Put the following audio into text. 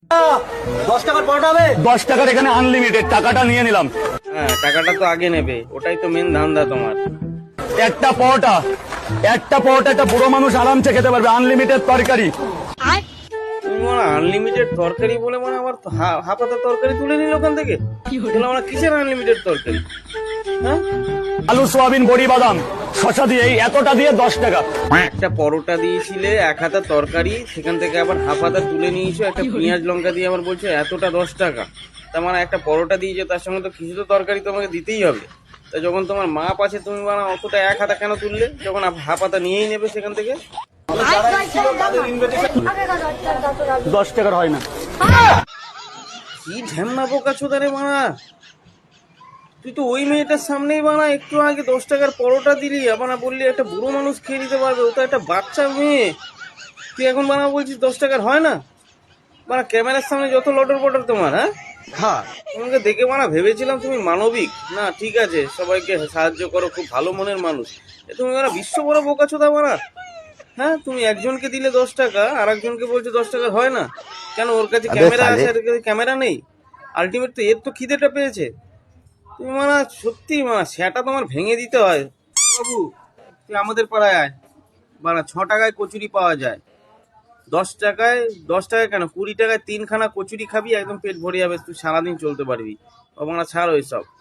10 টাকার পরোটা হবে? 10 টাকার এখানে আনলিমিটেড, টাকাটা নিয়ে নিলাম। হ্যাঁ, টাকাটা তো আগে নেবে, ওটাই তো মেন ধান্দা তোমার। একটা পরোটা একটা বুড়ো মানুষ আরামসে খেতে পারবে, আনলিমিটেড তরকারি। তুমি মানে আনলিমিটেড তরকারি বলে মানে আবার হাফাতা তরকারি তুলে নিল ওখান থেকে। বলে আমরা কিসের আনলিমিটেড তরকারি? হ্যাঁ, আলু সোয়াবিন বড়ি বাদাম শশা দিয়ে এই এতটা দিয়ে 10 টাকা। একটা পরোটা দিয়েছিলে, এক হাতা তরকারি, সেখান থেকে আবার হাফ হাতা তুলে নিয়েছো, একটা পেঁয়াজ লঙ্কা দিয়ে আবার বলছো এতটা 10 টাকা। তার মানে একটা পরোটা দিয়েছো, তার সঙ্গে তো কিছু তো তরকারি তোমাকে দিতেই হবে। তা যখন তোমার মাপ আছে, তুমি মানে অতটা এক হাতা কেন তুললে, যখন হাফ হাতা নিয়েই নেবে সেখান থেকে? 10 টাকার হয় না। কি ঢ্যামনা বোকা চোদারে মানা! তুই তো ওই মেয়েটার সামনেই বানা একটু আগে 10 টাকার পরোটা দিলি, আবার বললি একটা বুড়ো মানুষ খেয়ে নিতে পারবে, ও তো একটা বাচ্চা মেয়ে। তুই এখন বানা বলছিস 10 টাকার হয় না? বানা ক্যামেরার সামনে যত লটর পটর তোমার, হ্যাঁ, তোমাকে দেখে বানা ভেবেছিলাম তুমি মানবিক, না ঠিক আছে, সবাইকে সাহায্য করো, খুব ভালো মনের মানুষ। তুমি বানা বিশ্ব বড় বোকা চোদা বানা। হ্যাঁ, তুমি একজনকে দিলে 10 টাকা, আর একজনকে বলছো 10 টাকার হয় না কেন? ওর কাছে ক্যামেরা আছে, এর কাছে ক্যামেরা নেই? আলটিমেট তো এর তো খিদেটা পেয়েছে। তুমি মানে সত্যি মানে সেটা তোমার ভেঙে দিতে হয়। বাবু, তুই আমাদের পাড়ায় আয়, মানে 6 টাকায় কচুরি পাওয়া যায়। 10 টাকায়, 10 টাকায় কেন, 20 টাকায় 3খানা কচুরি খাবি, একদম পেট ভরে যাবে, তুই সারাদিন চলতে পারবি। ও মানে ছাড় ওইসব।